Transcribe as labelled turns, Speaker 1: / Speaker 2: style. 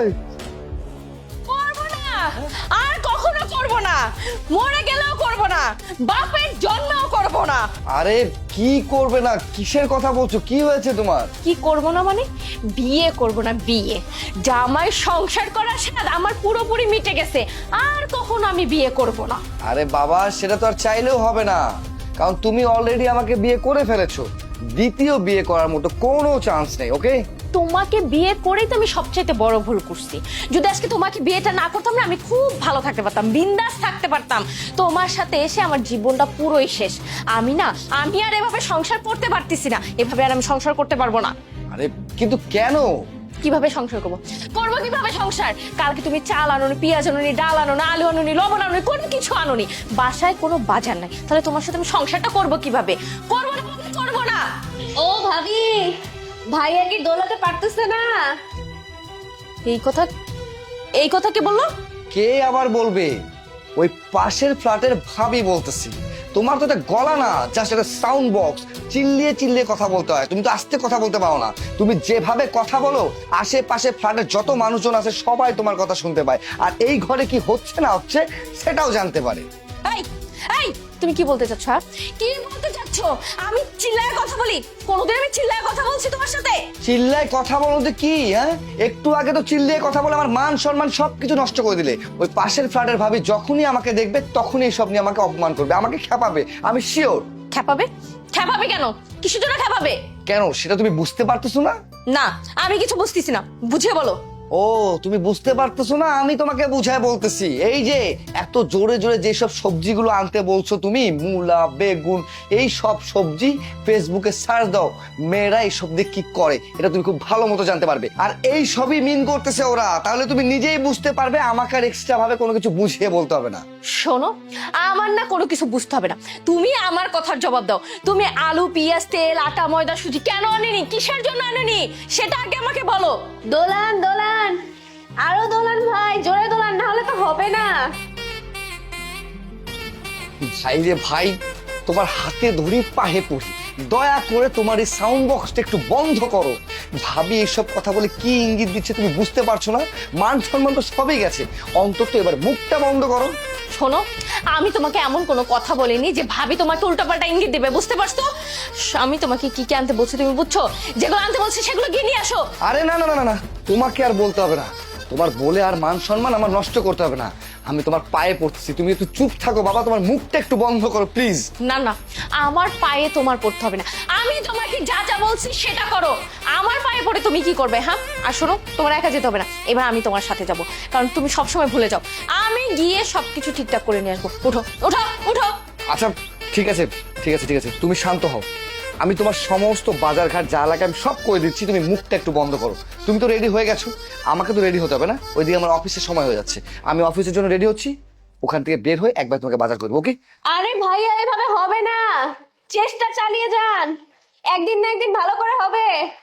Speaker 1: করবো না, আর কখনো করবো না, মরে গেলেও করবো না, বাপের জন্মেও করবো না।
Speaker 2: আরে কি করবে না, কিসের কথা বলছো, কি হয়েছে তোমার?
Speaker 1: কি করবো না মানে? বিয়ে করবো না, বিয়ে। জামাই সংসার করার স্বাদ আমার পুরোপুরি মিটে গেছে, আর কখনো আমি বিয়ে করবো না।
Speaker 2: আরে বাবা, সেটা তো আর চাইলেও হবে না, কারণ তুমি অলরেডি আমাকে বিয়ে করে ফেলেছো। দ্বিতীয় বিয়ে করার মতো কোনো চান্স নেই। ওকে,
Speaker 1: তোমাকে বিয়ে করেই তো আমি সবচাইতে বড় ভুল করছি। যদি আজকে তোমাকে বিয়েটা না করতাম না, আমি খুব ভালো থাকতে পারতাম, বিন্দাস থাকতে পারতাম। তোমার সাথে এসে আমার জীবনটা পুরোই শেষ। আমি আর এভাবে সংসার করতে পারতেছি না, এভাবে আর আমি সংসার করতে পারবো না।
Speaker 2: আরে কিন্তু কেন?
Speaker 1: কিভাবে সংসার করবো? করবো কিভাবে সংসার? কালকে তুমি চাল আনোনি, পেঁয়াজ আনোনি, ডাল আনোনি, আলু আনোনি, লবণ আনোনি, কোনো কিছু আনোনি, বাসায় কোনো বাজার নাই, তাহলে তোমার সাথে আমি সংসারটা করবো কিভাবে? করবো না, করবো না।
Speaker 3: ও ভাবি, ভাইয়া কি দোলাতে পারতেছে না?
Speaker 1: এই কথা কে বললো?
Speaker 2: কে আবার বলবে? ওই পাশের ফ্ল্যাটের ভাবি বলতেছি। তোমার তো এটা গলা না, জাস্ট একটা সাউন্ড বক্স, চিল্লিয়ে চিল্লিয়ে কথা বলতে হয়। তুমি তো আস্তে কথা বলতে পারো না। তুমি যেভাবে কথা বলো, আশেপাশে ফ্ল্যাটের যত মানুষজন আছে সবাই তোমার কথা শুনতে পায়, আর এই ঘরে কি হচ্ছে না হচ্ছে সেটাও জানতে পারে।
Speaker 1: এই এই তুমি কি বলতে চাচ্ছ? কি বলতে চাচ্ছ? আমি চিল্লায় কথা বলি? কোনোদিন আমি চিল্লায় কথা বলছি তোমার সাথে?
Speaker 2: চিল্লায় কথা বলতে কি? হ্যাঁ, একটু আগে তো চিল্লিয়ে কথা বলে আমার মান সম্মান সবকিছু নষ্ট করে দিলে। ওই পাশের ফ্ল্যাটের ভাবি যখনই আমাকে দেখবে তখনই এসব নিয়ে আমাকে অপমান করবে, আমাকে খেপাবে, আমি শিওর।
Speaker 1: খেপাবে? খেপাবে কেন? কিসের জন্য খেপাবে?
Speaker 2: কেন সেটা তুমি বুঝতে পারতেছো না?
Speaker 1: না, আমি কিছু বুঝতেছি না, বুঝিয়ে বলো।
Speaker 2: ও, তুমি বুঝতে পারতেছো না, আমি তোমাকে বুঝায় বলতেছি। এই যে এত জোরে জোরে যেসব সবজিগুলো আনতে বলছো তুমি, মূলা, বেগুন, এই সব সবজি ফেসবুকে সার্চ দাও, মেয়েরা এইসব দিয়ে কি করে এটা তুমি খুব ভালো মতো জানতে পারবে। আর এই সবই মিন করতেছে ওরা, তাহলে তুমি নিজেই বুঝতে পারবে, আমাকে আর এক্সট্রা ভাবে কোনো কিছু বুঝিয়ে বলতে হবে না।
Speaker 1: শোনো, আমার না কোনো কিছু বুঝতে হবে না, তুমি আমার কথার জবাব দাও। তুমি আলু, পেঁয়াজ, তেল, আটা, ময়দা, সুজি কেন আনেনি, কিসের জন্য আনেনি, সেটা আগে আমাকে বলো।
Speaker 3: দোলান দোলান, আরো দোলান ভাই, জোরে দোলান, না হলে তো হবে না।
Speaker 2: ভাই রে ভাই, তোমার হাতে ধরি পাহে পড়ি, দয়া করে তোমার এই সাউন্ড বক্সটা একটু বন্ধ করো। ভাবি এইসব কথা বলে কি ইঙ্গিত দিচ্ছে তুমি বুঝতে পারছো না? মান সম্মান তো সবই গেছে, অন্তত এবার মুখটা বন্ধ করো।
Speaker 1: শোনো, আমি তোমাকে এমন কোনো কথা বলিনি যে ভাবি তোমাকে উল্টাপাল্টা ইঙ্গিত দেবে, বুঝতে পারছো? আমি তোমাকে কি কি আনতে বলছি তুমি বুঝছো? যেগুলো আনতে বলছি সেগুলো গিয়ে নিয়ে আসো।
Speaker 2: আরে না না না না না, তোমাকে আর বলতে হবে না, তোমার বলে আর মান সম্মান আমার নষ্ট করতে হবে না। আমি তোমার পায়ে পড়তেছি, তুমি একটু চুপ থাকো বাবা, তোমার মুখটা একটু বন্ধ করো প্লিজ।
Speaker 1: না না, আমার পায়ে তোমার পড়তে হবে না, আমি তোমাকে যা যা বলছি সেটা করো। আমার পায়ে পড়ে তুমি কি করবে? হ্যাঁ, আর শোনো, তোমার একা যেতে হবে না, এবার আমি তোমার সাথে যাব, কারণ তুমি সবসময় ভুলে যাও। আমি গিয়ে সবকিছু ঠিকঠাক করে নিয়ে আসবো। উঠো উঠো উঠো।
Speaker 2: আচ্ছা ঠিক আছে ঠিক আছে ঠিক আছে, তুমি শান্ত হও, আমি তোমার সমস্ত বাজার ঘাট যা লাগে আমি সব করে দিচ্ছি, তুমি মুখটা একটু বন্ধ করো। তুমি তো রেডি হয়ে গেছো, আমাকে তো রেডি হতে হবে না, ওইদিকে আমার অফিসের সময় হয়ে যাচ্ছে, আমি অফিসের জন্য রেডি হচ্ছি, ওখান থেকে বের হয়ে একবার তোমাকে বাজার করবো। ওকে?
Speaker 3: আরে ভাইয়া, এভাবে হবে না, চেষ্টা চালিয়ে যান, একদিন না একদিন ভালো করে হবে।